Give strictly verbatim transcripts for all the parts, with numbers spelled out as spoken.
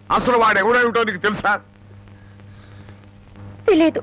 అసలు వాడు ఎవడేమిటో నీకు తెలుసా? తెలియదు.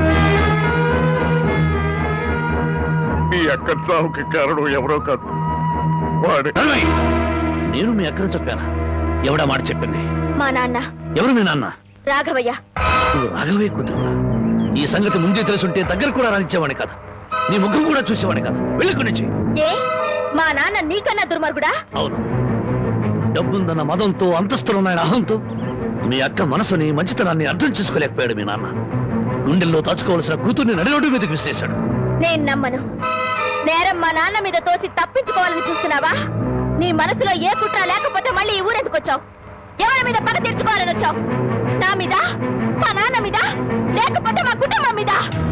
మీ అక్క చావుకి కారణం ఎవరో కాదు, వాడే. నేను మీ అక్కను చెప్పానా? ఎవడా మాట చెప్పింది? మా నాన్న. ఎవరు మీ నాన్న? రాఘవయ్య. నువ్వు రాఘవయ్య కూతురువా? ఈ సంగతి ముందే తెలుసుంటే దగ్గర కూడా రానిచ్చేవాడి కాదు, నీ ముఖం కూడా చూసేవాడి కాదు. వెళ్ళి నుంచి. ఏ మా నాన్న నీకన్నా దుర్మార్గుడా? అవును, డబ్బుందన్న మదంతో, అంతస్తులున్నాయన అహంతో మీ అక్క మనసుని, మంచితనాన్ని అర్థం చేసుకోలేకపోయాడు మీ నాన్న. గుండెల్లో దాచుకోవాల్సిన కూతుర్ని నడిరోడ్డు మీదకి విసిరేశాడు. నేను నమ్మను. నేరం మా నాన్న మీద తోసి తప్పించుకోవాలని చూస్తున్నావా? నీ మనసులో ఏ కుట్ర లేకపోతే మళ్ళీ ఈ ఊరెందుకు వచ్చావు? ఎవరి మీద పగ తీర్చుకోవాలని వచ్చావు? నా మీద, మా నాన్న మీద, లేకపోతే మా కుటుంబం మీద?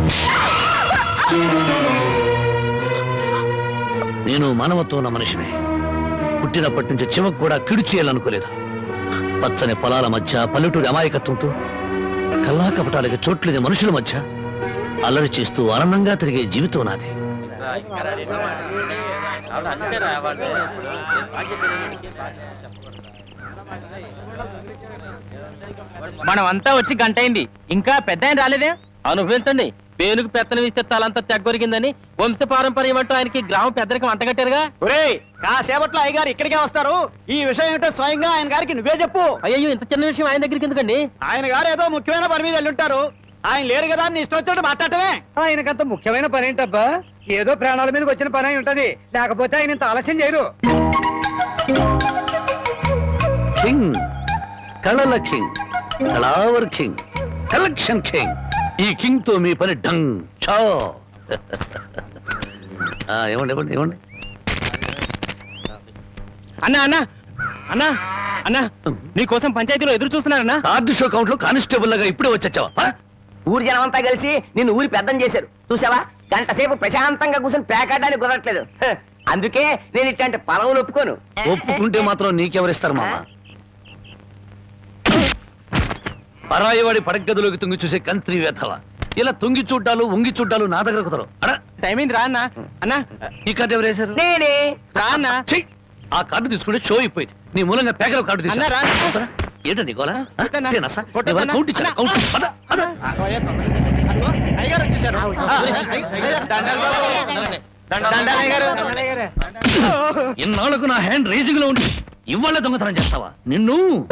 నేను మానవత్వం ఉన్న మనిషిని. పుట్టినప్పటి నుంచి చివకు కూడా కిడు చేయాలనుకోలేదు. పచ్చని పొలాల మధ్య, పల్లెటూరి అమాయకత్వంతో, కల్లా కపటాలకి చోట్లేని మనుషుల మధ్య అల్లరి చేస్తూ ఆనందంగా తిరిగే జీవితం నాది. మనం అంతా వచ్చి గంట అయింది, ఇంకా పెద్ద ఆయన రాలేదే? అనుభవించండి. పేరుకు పెత్తనం ఇస్తే తలంతా తెగ్గొరిగిందని వంశ పారంపర్యం అంటూ ఆయనకి గ్రామ పెద్దరికి వంటగట్టారుగా. ఒరేయ్, కాసేపట్లో అయ్యగారు ఇక్కడికే వస్తారు. ఈ విషయం ఏమిటో స్వయంగా ఆయన గారికి నువ్వే చెప్పు. అయ్యో, ఇంత చిన్న విషయం ఆయన దగ్గరికి ఎందుకండి? ఆయన గారు ఏదో ముఖ్యమైన పని మీద వెళ్ళుంటారు. ఆయన లేరు కదా అని ఇష్టం వచ్చినట్టు మాట్లాడటమే. ఆయనకంత ముఖ్యమైన పని ఏంటబ్బా? ఏదో ప్రాణాల మీదకి వచ్చిన పని అయి ఉంటది, లేకపోతే ఆయన ఇంత ఆలస్యం చేయరు. కింగ్, కళల కింగ్, కళావర్ కింగ్, కలెక్షన్ కింగ్. ఈ కింగ్ తో మీ పని డంగ్ చో. ఇవ్వండి ఇవ్వండి ఇవ్వండి. అన్నా అన్నా అన్నా అన్నా నీకోసం పంచాయతీలో ఎదురు చూస్తున్నారన్నా. కార్డు షో కౌంట్ లో కానిస్టేబుల్ లాగా ఇప్పుడే వచ్చావా? ఊరి జనం అంతా కలిసి నిన్ను ఊరి పెద్దం చేశారు చూసావా? గంట సేపు ప్రశాంతంగా కూర్చొని పేకాడడానికి కుదరట్లేదు. అందుకే నేను ఇట్లాంటి పొలవులు ఒప్పుకోను. ఒప్పుకుంటే మాత్రం నీకెవరిస్తారు మామ? పరాయివాడి పడగదిలోకి తుంగి చూసే కంత్రి వేధవ. ఇలా తుంగి చూడ్డాలు, ఉంగి చూడ్డాలు నా దగ్గర కుదరవు. టైం అయింది రా అన్నా. అన్నా, ఈ కార్డు ఎవరు వేశారు? నేనే. రా అన్నా. ఆ కార్డు తీసుకుంటే షో అయిపోయింది. నీ మూలంగా పేకల కార్డు అన్నా, తీసుకున్నా. రా. ఏంటో నీకోలా కొట్టన్నా. కౌంట్ కౌంట్ ఇచ్చారా? కౌంట్ పద, పద. అయ్యగారు వచ్చేసారు. ఇన్నాళ్లకు నా హ్యాండ్ రేసింగ్ లో ఉండి ఇవాళ దొంగతనం చేస్తావా? నిన్ను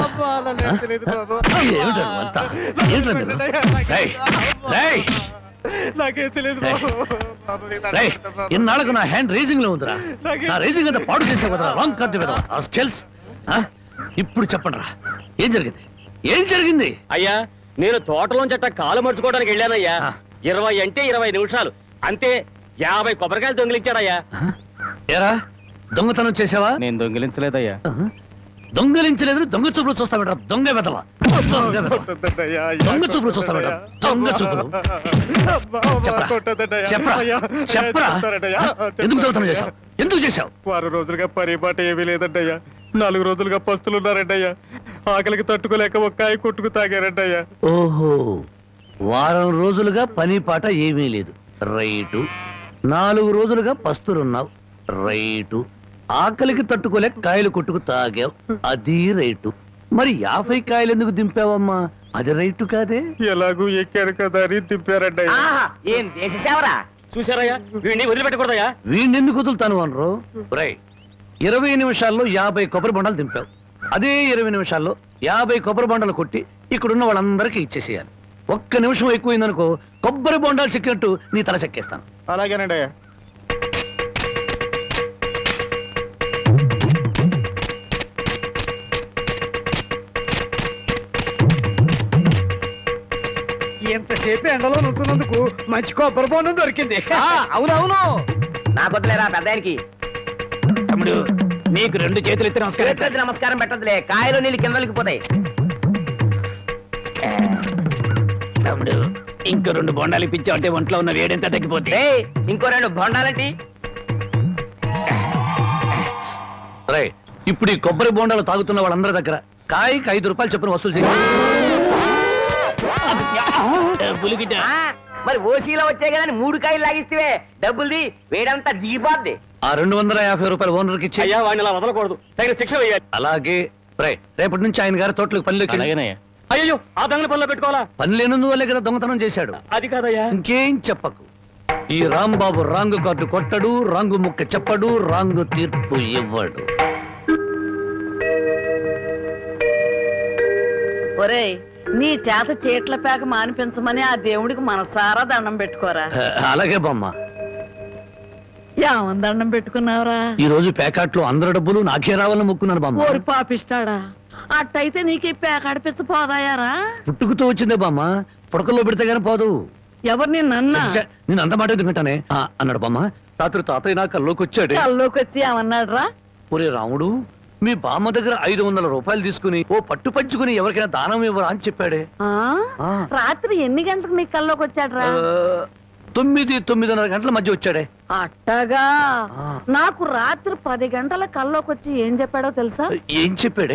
ఇన్నాళ్లకు నా హ్యాండ్ రేసింగ్ లో ఉందిరా. నా రేసింగ్ అంతా పాడు చేసే కదా రాంగ్ కార్డు కదా. ఇప్పుడు చెప్పండి రా, ఏం జరిగింది? ఏం జరిగింది? అయ్యా, నేను తోటలోంచి అట్ట కాలు మర్చుకోవడానికి వెళ్ళానయ్యా. ఇరవై అంటే ఇరవై నిమిషాలు అంతే. యాభై కొబ్బరికాయలు దొంగిలించాడయ్యా. ఏరా, దొంగతనం చేసావా? నేను దొంగిలించలేదయ్యా. దొంగలించలేదు, దొంగ చూపులు చూస్తా బెట. దొంగ వెదవా, దొంగ చూపులు చూస్తా బెట. దొంగ చూపులు. చెప్పరా చెప్పరా ఎందుకు దొంగతనం చేశావు? ఎందుకు చేశావు? వారం రోజులుగా పరిపాట ఏమీ లేదంటయ్యా. నాలుగు రోజులుగా పస్తులున్నారంటయ్యా. ఆకలికి తట్టుకోలేక ఒక్కాయ కొట్టుకు తాగారంటయ్యా. ఓహో, వారం రోజులుగా పని పాట ఏమీ లేదు. రైటు. నాలుగు రోజులుగా పస్తులున్నావు. రైటు. ఆకలికి తట్టుకోలేక కాయలు కొట్టుకు తాగావు. అది రైటు. మరి యాభై కాయలు ఎందుకు దింపావమ్మా? అది రైటు కాదే. ఎలాగూ ఎక్కారు కదా అని దింపారంటయ్యా. ఏం దేశ సేవరా? చూసారయ్యా, వీడిని వదిలిపెట్టకూడదయ్యా. వీడిని ఎందుకు వదులుతాను అనరు? రై, ఇరవై నిమిషాల్లో యాభై కొబ్బరి బొండాలు దింపావు. అదే ఇరవై నిమిషాల్లో యాభై కొబ్బరి బొండాలు కొట్టి ఇక్కడున్న వాళ్ళందరికీ ఇచ్చేసేయాలి. ఒక్క నిమిషం ఎక్కువైందనుకో కొబ్బరి బొండాలు చెక్కినట్టు నీ తల చెక్కేస్తాను. అలాగేనండి అయ్యా. ఎంతసేపు ఎండలో నుంచున్నందుకు మంచి కొబ్బరి బొండం దొరికింది. అవునవును, నా కొద్దులేరా పెద్దానికి. తమ్ముడు, నీకు రెండు చేతులు ఎత్తి నమస్కారం. నమస్కారం పెట్టదులే, కాయలు నీళ్ళు కిందలకి పోతాయి. తమ్ముడు, ఇంకో రెండు బొండాలు ఇప్పించావు అంటే ఒంట్లో ఉన్న వేడెంత తగ్గిపోతే. ఇంకో రెండు బొండాలంటి. రై, ఇప్పుడు ఈ కొబ్బరి బొండాలు తాగుతున్న వాళ్ళందరి దగ్గర కాయకి ఐదు రూపాయలు చొప్పున వసూలు చేయాలి. మరి ఓసీలో వచ్చాయి కదా మూడు కాయలు లాగిస్తే డబ్బుల్ది వేడంతా దిగిపోద్ది. ఆ రెండు వందల యాభై రూపాయలు ఓనర్కి ఇచ్చి. అయ్యా, వాడిని అలా వదలకూడదు, తగిన శిక్ష వేయాలి. అలాగే రే రేపటి నుంచి ఆయన గారి తోటలకు పనిలోకి అలాగేనయ్యా. అయ్యో ఆ దొంగల పనిలో పెట్టుకోవాలా? పని లేనందువల్లే కదా దొంగతనం చేశాడు. అది కాదయ్యా. ఇంకేం చెప్పకు. ఈ రాంబాబు రాంగు కార్డు కొట్టడు, రాంగు ముక్క చెప్పడు, రాంగు తీర్పు ఇవ్వడు. ఒరేయ్, నీ చేత చీట్ల పేక మానిపించమని ఆ దేవుడికి మనసారా దండం పెట్టుకోరా. ఆ, అలాగే బామ్మ. ఏమని దండం పెట్టుకున్నావురా? ఈ రోజు ప్యాకెట్లో అందరి డబ్బులు నాకే రావాలని మొక్కున్నాను బామ్మ. ఓరి పాపిస్తాడా, అట్టయితే నీకు ఈ పేక ఆడిపించ పోదాయారా? పుట్టుకుతో వచ్చిందే బామ్మ, పుడకల్లో పెడితే గానీ పోదు. ఎవరు నిన్న ఛే, నేను అంత మాట ఎందుకంటానే ఆ, అన్నాడు బామ్మ. రాత్రి తాతయ్య నా కల్లోకి వచ్చాడే. కల్లోకి వచ్చి ఏమన్నాడు రా? ఒరే రాముడు, మీ బామ్మ దగ్గర ఐదు వందల రూపాయలు తీసుకుని ఓ పట్టు పంచుకుని ఎవరికైనా దానం ఇవ్వరా అని చెప్పాడే. ఆ? ఆ. రాత్రి ఎన్ని గంటలకు నీ కల్లోకి వచ్చాడు రా? ఆ, తొమ్మిది తొమ్మిదిన్నర గంటల మధ్య వచ్చాడే. అట్టగా ఆ. నాకు రాత్రి పది గంటల కల్లోకి వచ్చి ఏం చెప్పాడో తెలుసా? ఏం చెప్పాడే?